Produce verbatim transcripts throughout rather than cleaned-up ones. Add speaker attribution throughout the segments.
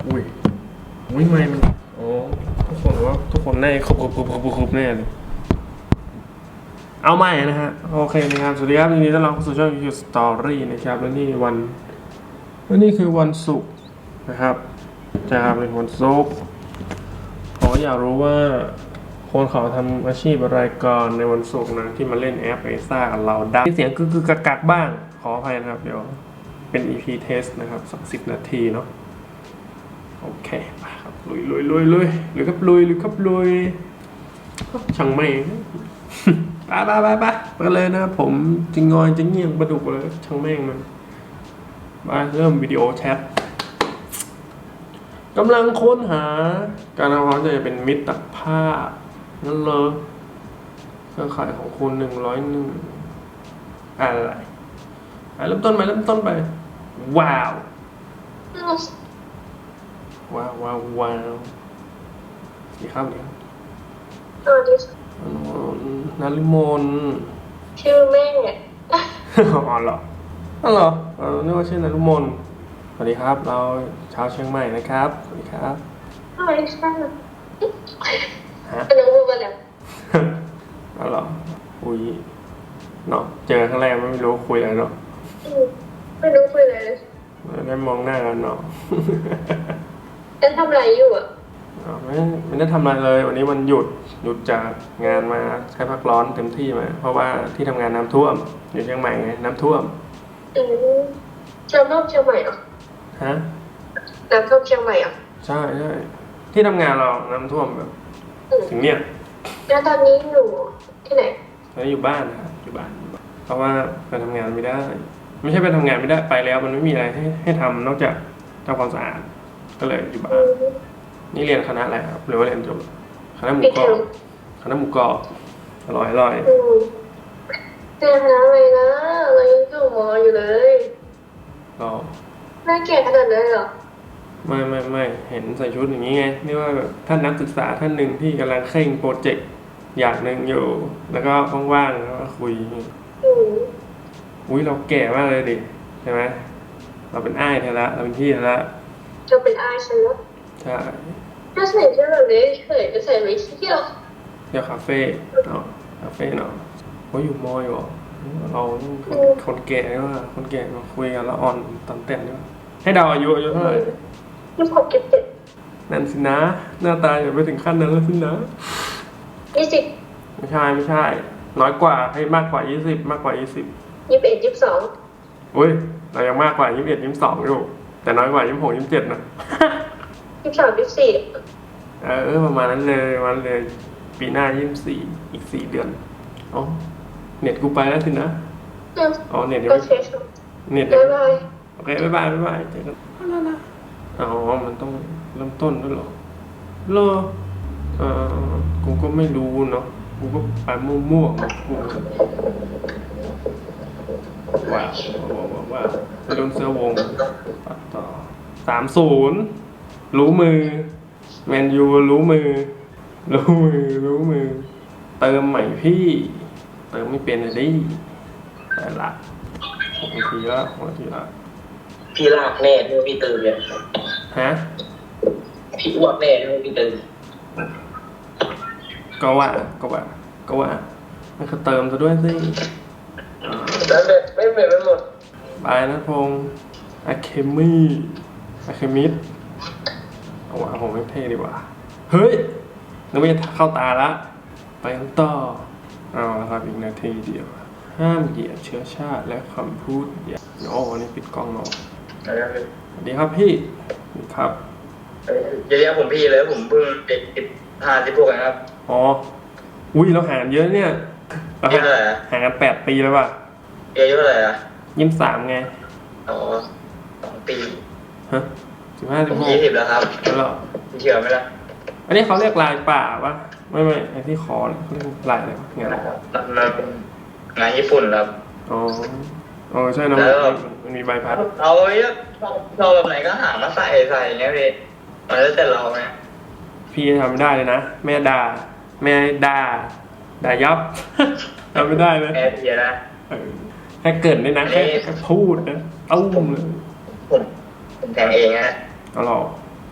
Speaker 1: อุ้ยอุ้ยไม่มันโอ้ทุกคนว่าทุกคนแน่ครบครบครบครบครบแน่เลยเอาใหม่นะฮะโอเคนะครับสวัสดีครับยินดีต้อนรับเข้าสู่ช่อง ยู คิว Story นะครับและนี่วันและนี่คือวันศุกร์นะครับจะเป็นวันศุกร์ผมอยากรู้ว่าคนเขาทำอาชีพอะไรก่อนในวันศุกร์นะที่มาเล่นแอปเอซ่ากับเราได้เสียงคือคือกักๆบ้างขออภัยนะครับเดี๋ยวเป็น อี พี test นะครับสักสิบนาทีเนาะโอเคไปครับลุยลุยลุยลุยหรือครับลุยหรือครับลุยช่างไม่ไปไปไปไปไปเลยนะผมจริงงอยจริงเงียงประดุกเลยช่างแม่งมันมาเริ่มวิดีโอแชทกำลังค้นหาการเอาความจะเป็นมิตรภาพนั่นเลยเครือข่ายของคุณหนึ่งร้อยหนึ่งอะไรไปเริ่มต้นไปเริ่มต้นไปว้าวว้าวว้าวว้าวดีครับดีครับ
Speaker 2: สวัสดีค่ะ
Speaker 1: นาริมน
Speaker 2: ชื่อแม่
Speaker 1: อ๋อเหรออ๋อเหรอเออนึกว่าชื่อนาริมนสวัสดีครับเราชาวเชียงใหม่นะครับสวัสดีครับ
Speaker 2: สวัสดีค่ะ
Speaker 1: ฮะ
Speaker 2: เป็นน้องพูดมาแล้ว
Speaker 1: อ๋อเหรออุ้ยเนาะเจอครั้งแรกไม่รู้คุยอะไรเนาะ
Speaker 2: ไม่รู้คุยอะไรเลย
Speaker 1: ได้มองหน้ากันเนาะ
Speaker 2: ฉันทำอะไรอยู่อ่ะ
Speaker 1: ไม่ไม่ได้ทำอะไรเลยวันนี้วันหยุดหยุดจากงานมาใช้พักร้อนเต็มที่มาเพราะว่าที่ทำงานน้ำท่วมอยู่เชียงใหม่ไงน้ำท่วม
Speaker 2: อืมน้ำท่วมเชียงใหม่เหรอ
Speaker 1: ฮะ
Speaker 2: น้ำท่วมเชียงใหม่เหรอ
Speaker 1: ใช่ใช่ที่ทำงานเราน้ำท่วมแบบ
Speaker 2: อืม
Speaker 1: ถึงเนี่ย
Speaker 2: แล้วตอนนี้อยู่ที่ไหน
Speaker 1: ตอนนี้อยู่บ้านนะครับอยู่บ้านเพราะว่าไปทำงานไม่ได้ ไม่ใช่ไปทำงานไม่ได้ไปแล้วมันไม่มีอะไรให้ให้ทำนอกจากทำความสะอาดก็เลยอยู่บ้า
Speaker 2: อื
Speaker 1: น
Speaker 2: ม
Speaker 1: นี่เรียนคณะอะไรครับหรือว่าเรียนจบคณะหมู
Speaker 2: ปิด
Speaker 1: ก
Speaker 2: เท
Speaker 1: รอ
Speaker 2: อบ ม
Speaker 1: คณะหมูกรอบอร่อยอร่อย
Speaker 2: อืมเรียนคณะอะไรนะเรายังอยู่มออยู่เลย
Speaker 1: เรา
Speaker 2: น่าเกลียดขนาดนั้นเหรอ
Speaker 1: ไม่ไม่ไม่เห็นใส่ชุดอย่างนี้ไงนี่ว่าแบบท่านนักศึกษาท่านหนึ่งที่กำลังเคร่งโปรเจกต์อย่างหนึ่งอยู่ แล้วก็ว่างๆแล้วก็คุย
Speaker 2: อืม
Speaker 1: อุ้ยเราแก่มากเลยดิใช่ไหมเราเป็นอ้ายเธอละเราเป็นพี่เธอละ
Speaker 2: จะเป็นอายฉันแล้ว
Speaker 1: ใช่
Speaker 2: ถ้าใส่เสื้อแบบนี้เคยจะใส่ไปเที่ยว
Speaker 1: เที่ยวคาเฟ่เนาะคาเฟ่เนาะเขาอยู่มอยเหรอเราคนคนแก่นี่ว่าคนแก่มาคุยกันแล้วอ่อนตอนเต้นนี่ว่าให้เดาอายุอายุเท่าไหร่
Speaker 2: ยี่สิบหกยี่สิบเจ็ด
Speaker 1: นั่นสินะหน้าตาอย่าไปถึงขั้นนั้นแล้วสินะ
Speaker 2: ยี่สิบ
Speaker 1: ไม่ใช่ไม่ใช่ น้อยกว่าให้มากกว่ายี่สิบมากกว่ายี่สิบ
Speaker 2: ยี่สิบเอ็ดยี่สิบสอง
Speaker 1: อุ้ยเรายังมากกว่ายี่สิบเอ็ดยี่สิบสองอยู่แต่น้อยกว่ายี่สิบหกยี่สิบเจ็ดนะ
Speaker 2: ยี่สิบสามยี่สิบสี่
Speaker 1: เออประมาณนั้นเลยประมาณเลยปีหน้ายี่สิบสี่อีกสี่เดือนอ๋อเน็ตกูไปแล้วสินะอ๋อเน็ตยัง
Speaker 2: ก็
Speaker 1: ไม่
Speaker 2: เช็ค
Speaker 1: เน็ต
Speaker 2: บ๊ายบาย
Speaker 1: โอเคบ๊ายบายบ๊ายบายเจอกันอ๋อมันต้องเริ่มต้นด้วยเหรอเหรอเออกูก็ไม่รู้เนาะกูก็ไปมั่วๆของกูว้าวว้าวว้าวว้าวไปโดนเสื้อวงตัดต่อสามศูนย์รู้มือแมนยูรู้มือรู้มือรู้มือเติมใหม่พี่เติมไม่เป็นเลยดิแต่ละหกนาทีละหกนาทีละ
Speaker 3: พี่ลากแน่ด้วยพี่ตื่นเนี่ย
Speaker 1: ฮะ
Speaker 3: พี่อ้วกแน่ด้วยพี่ตื่น
Speaker 1: ก็ว่าก็ว่าก็ว่ามันก็เติมซะด้วยสิ
Speaker 3: แล้วเนี่ยไม่เหมือนไปหมด
Speaker 1: บายนะพงษ์อะเคมี่อะเคมิดเอาว่าผมไม่เท่ดีกว่า เฮ้ยนึกว่าจะเข้าตาละไปกันต่อเอาละครับอีกนาทีเดียว ห้ามเหยียดเชื้อชาติและคำพูดอย่าโอ้วันนี้ปิดกล้องเนาะสวัสดีครับพี่ครับ
Speaker 3: อย่าเรียกผมพี่เลยผมเพิ่งเด็กสิบห้าสิบหกนะครับ
Speaker 1: อ๋ออุ้ยเราห่างเยอะเนี่ยเรา
Speaker 3: อายุเท่าไหร่อะ
Speaker 1: ห่างกันแปดปีแล้วว่ะ
Speaker 3: อายุเท่าไหร่อะ
Speaker 1: ยี่สิบสามไง
Speaker 3: อ๋อสองปี
Speaker 1: ฮะสิบห้าสิ
Speaker 3: ผ
Speaker 1: บ
Speaker 3: ม
Speaker 1: หก
Speaker 3: ยี่สิบแล้วครับ
Speaker 1: แล้วเหรอ
Speaker 3: เชื่อไหมล่ะ
Speaker 1: อันนี้เขาเรียกลายป่าปะไม่ไม่ไอที่คอเนี่ยเขาเรียกลายอะไรวะงาน
Speaker 3: มันงานญี่ปุ่นครับ
Speaker 1: อ๋ออ๋อใช่เนอะ
Speaker 3: แล้ว
Speaker 1: มันมีใบพัด
Speaker 3: เอาไว้ชอบแบบไหนก็หามาใส่ใส่เงี้ยพี่มันแล้วแต่เราไง
Speaker 1: พี่ทำไม่ได้เลยนะแม่ด่าแม่ด่าด่ายับ ทำไม่ได้เลย
Speaker 3: แอร์เพียนะ
Speaker 1: เออแค่เกิดเลยนะแค่แค่พูดนะเอ้าเลย
Speaker 3: ผมผมแต่งเองฮะ
Speaker 1: เอาหรอ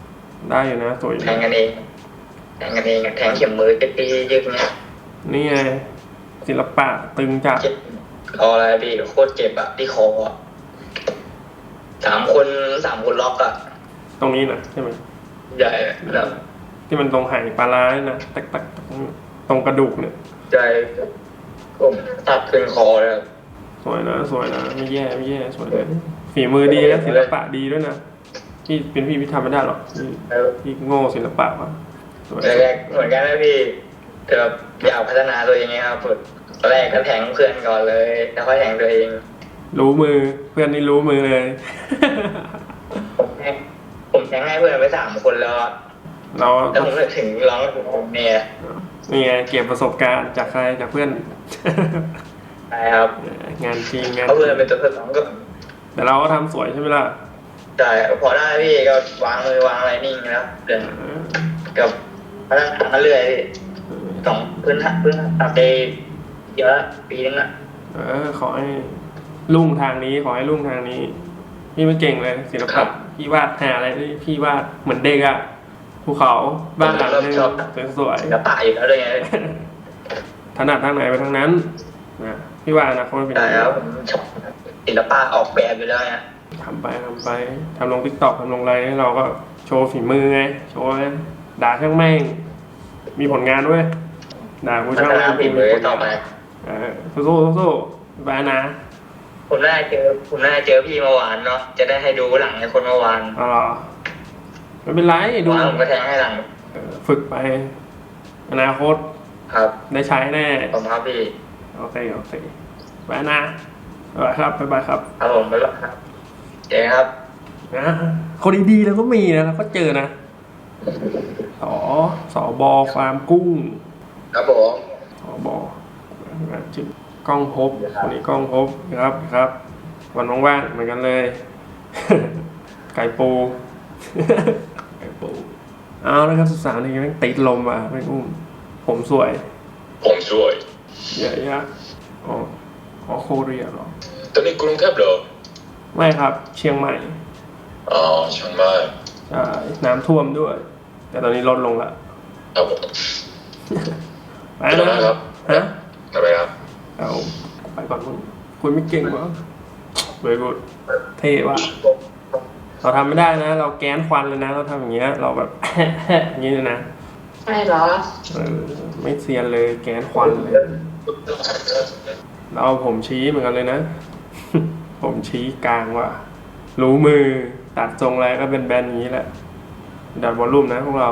Speaker 1: ได้อยู่นะสวยอยู่
Speaker 3: แทงกันเองแทงกันเองแทงเข็มมือจะตียึกเนี่ย
Speaker 1: นี่ไงศิลปะตึงจัด
Speaker 3: เจ็บคออะไรพี่โคตรเจ็บอะที่คออะสามคนสามคนล็อกอะ
Speaker 1: ตรงนี้นะใช่ไหม
Speaker 3: ใหญ่แบบ
Speaker 1: ที่มันตรงไหปลาร้าเนี่ยนะตักตักตรงกระดูกเนี่ย
Speaker 3: ใหญ่ผมตัดขึ้นคอเลย
Speaker 1: สวยนะสวยนะไม่แย่ไม่แย่สวยเลยฝีมือดีนะศิลปะดีด้วยนะพี่เป็นพี่พี่ทำไม่ได้หรอกพี่พี่โง่ศิลปะว่ะสวย
Speaker 3: แรกๆเหมือนกันนะพี่แต่แบบอยากพัฒนาตัวเองไงครับตอนแรกก็แทงเพื่อนก่อนเลยแล้วค่อยแทงตัวเอง
Speaker 1: รู้มือเพื่อนนี่รู้มือเลย
Speaker 3: ผมแทงผมแทงให้เพื่อนไปสามคนแล้วอะ
Speaker 1: เรา
Speaker 3: แล้วผมถึงร้องผมเนี่ย
Speaker 1: นี่ไงเก็บประสบการณ์จากใครจากเพื่อน
Speaker 3: ใช่ครับ
Speaker 1: งานจริงงาน
Speaker 3: เขาเพื่อนเป็นตัวสองก็
Speaker 1: แต่เราก็ทำสวยใช่ไหมล่ะ
Speaker 3: ใช่พอได้พี่ก็วางมือวางอะไรนิ่งแล้วเดินกับพัฒนามาเรื่อยสองพื้นฐานพื้นตัดไปเยอะปีนึงละ
Speaker 1: เออขอให้ลุ่งทางนี้ขอให้ลุ่งทางนี้ พี่ไม่เก่งเลยศิลปะพี่วาดหาอะไรที่พี่วาดเหมือนเด็กอะภูเขาบ้านหลังนึงสวย
Speaker 3: ศิลปะอยู่แล้วด้วยไง
Speaker 1: ๆถนัดทางไหนไปทางนั้นนะพี่ว่าอนะเขาไม่เป็น
Speaker 3: ใช่ครับผมชอบศิลปะออกแบบอยู่แล้วไง
Speaker 1: ทำไปทำไปทำลงทิกตอกทำลงอะไรให้เราก็โชว์ฝีมือไงโชว์ไงด่าช่างแม่งมีผลงานด้วยด่ากู
Speaker 3: พั
Speaker 1: ช่าง
Speaker 3: ฒ
Speaker 1: แม่
Speaker 3: นาง ฝีมือต่อไป
Speaker 1: เออสู้ๆสู้ๆไปนะ
Speaker 3: ผมน่าเจอผมน่าเจอพี่เมื่อวานเนาะจะได้ให้ดูหลังในคนเมื่อวาน
Speaker 1: อ๋อเหรอไม่เป็นไรดู
Speaker 3: วานผมก็แทงให้หลัง
Speaker 1: เออฝึกไปอนาคต
Speaker 3: ครับ
Speaker 1: ได้ใช้แน่
Speaker 3: ผมครับพี่
Speaker 1: โอเคโอเคไปนะบ๊ายบายครับบ๊ายบายครับ
Speaker 3: ครับผมไปแล้วครับเจ๊ครับ
Speaker 1: นะคนดีๆแล้วก็มีนะแล้วก็เจอนะสอสอบอฟาร์มกุ้ง
Speaker 3: ครับผม
Speaker 1: สอบอชื่อ กล้องภพคนนี้กล้องภพครับครับ วันว่างๆเหมือนกันเลย ไก่ปู ไก่ปูเอาแล้วครับสุดสาวนี่แม่งติดลมว่ะไม่อุ้มผมสวย
Speaker 4: ผมช่วย
Speaker 1: เยอะแยะอ๋ออ๋อโคเรียเหรอ
Speaker 4: ตอนนี้กรุงเทพเหรอ
Speaker 1: ไม่ครับเชียงใหม่
Speaker 4: อ๋อเชียงใหม่
Speaker 1: ใช่น้ำท่วมด้วย แต่ตอนนี้ลดลงละ
Speaker 4: ครับผม
Speaker 1: ไป
Speaker 4: ไปแล้ว
Speaker 1: นะ
Speaker 4: นะครับ
Speaker 1: ฮะ
Speaker 4: ไปครับ
Speaker 1: เอาไปก่อนมึงคุณไม่เก่งวะเบย์กูดเท่ว่ะเราทำไม่ได้นะ เราแก๊นควันเลยนะ เราทำอย่างเงี้ย เราแบบ อย่างนี้เลยนะ
Speaker 2: ใช่เหรอ
Speaker 1: เออไม่เซียนเลยแก๊นควันเลย เราเอาผมชี้เหมือนกันเลยนะ ผมชี้กลางว่ะ รู้มือตัดทรงอะไรก็เป็นแบนอย่างนี้แหละ ดัดวอลลุ่มนะพวกเรา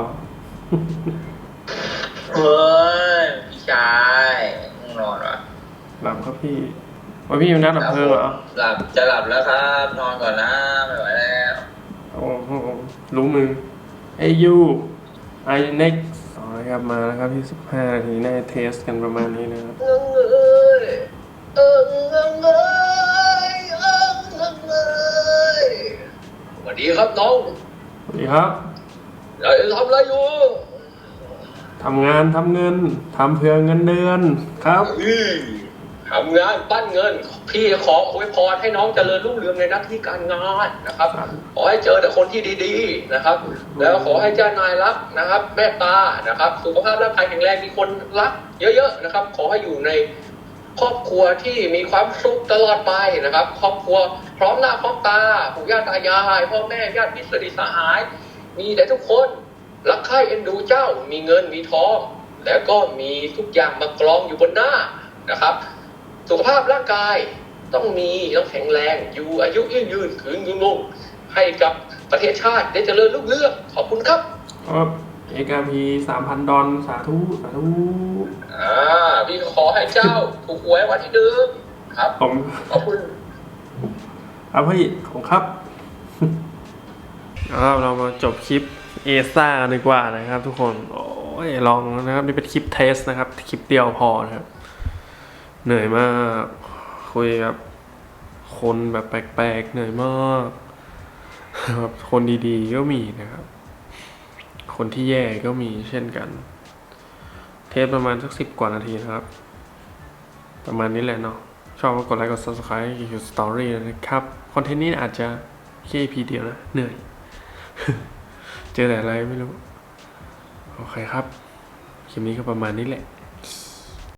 Speaker 3: เฮ้ยพี่ชายง่วงนอนวะ
Speaker 1: หลับครับพี่ว่าพี่เป็นนักดับเพลิงเหรอ
Speaker 3: หลับจะหลับแล้วครับ นอนก่อนนะไม่ไหวแล้ว
Speaker 1: โอ้โหรู้มือเอ้ยยูไอเน็กสองครับมาแล้วครับที่สิบห้านาทีน่าจะเทสกันประมาณนี้นะครับ
Speaker 3: เงยเอิงเอิงเอยเอิงเอิงเอยสวัสดีครับน้อง
Speaker 1: สวัสดีครับ
Speaker 3: เราจะทำอะไรอยู่
Speaker 1: ทำงานทำเงินทำเพื่อเงินเดือนครับ
Speaker 5: อืมทำงานปั้นเงิน พี่ขออวยพรให้น้องเจริญรุ่งเรืองในหน้าที่การงานนะครับ ขอให้เจอแต่คนที่ดีๆนะครับ แล้วขอให้เจ้านายรักนะครับเมตตานะครับ สุขภาพร่างกายแข็งแรงมีคนรัก เยอะๆนะครับ ขอให้อยู่ในครอบครัวที่มีความสุขตลอดไปนะครับ ครอบครัวพร้อมหน้าพร้อมตาปู่ย่าตายายพ่อแม่ญาติมิตรสนิทสหาย มีแต่ทุกคนรักใคร่เอ็นดูเจ้ามีเงินมีทอง แล้วก็มีทุกอย่างมากรองอยู่บนหน้านะครับ สุขภาพร่างกายต้องมีต้องแข็งแรงอยู่อายุยืนยืนคืนยืนลงให้กับประเทศชาติได้เจริญรุ่งเรืองขอบคุณครับ
Speaker 1: ครับเอกาพีสามพันดอลสาธุสาธุ
Speaker 5: อ่าพี่ขอให้เจ้าถูกหวยวันที่หนึ่งครับ
Speaker 1: ผม
Speaker 5: ขอบคุณ
Speaker 1: ครับพี่ของครับ เอาเรามาจบคลิปเอซ่ากันดีกว่านะครับ ทุกคนโอ้ยลองนะครับนี่เป็นคลิปเทสนะครับคลิปเดียวพอนะครับเหนื่อยมากคุยกับคนแบบแปลกๆเหนื่อยมากแบบคนดีๆก็มีนะครับ คนที่แย่ก็มีเช่นกัน เทสประมาณสักสิบกว่านาทีนะครับ ประมาณนี้แหละเนาะชอบก็กดไลค์กด ซับสไครบ์ คิว สตอรี่ นะครับคอนเทนต์นี้อาจจะแค่ อี พี เดียวนะเหนื่อยเจอแต่อะไรไม่รู้โอเคครับคลิปนี้ก็ประมาณนี้แหละ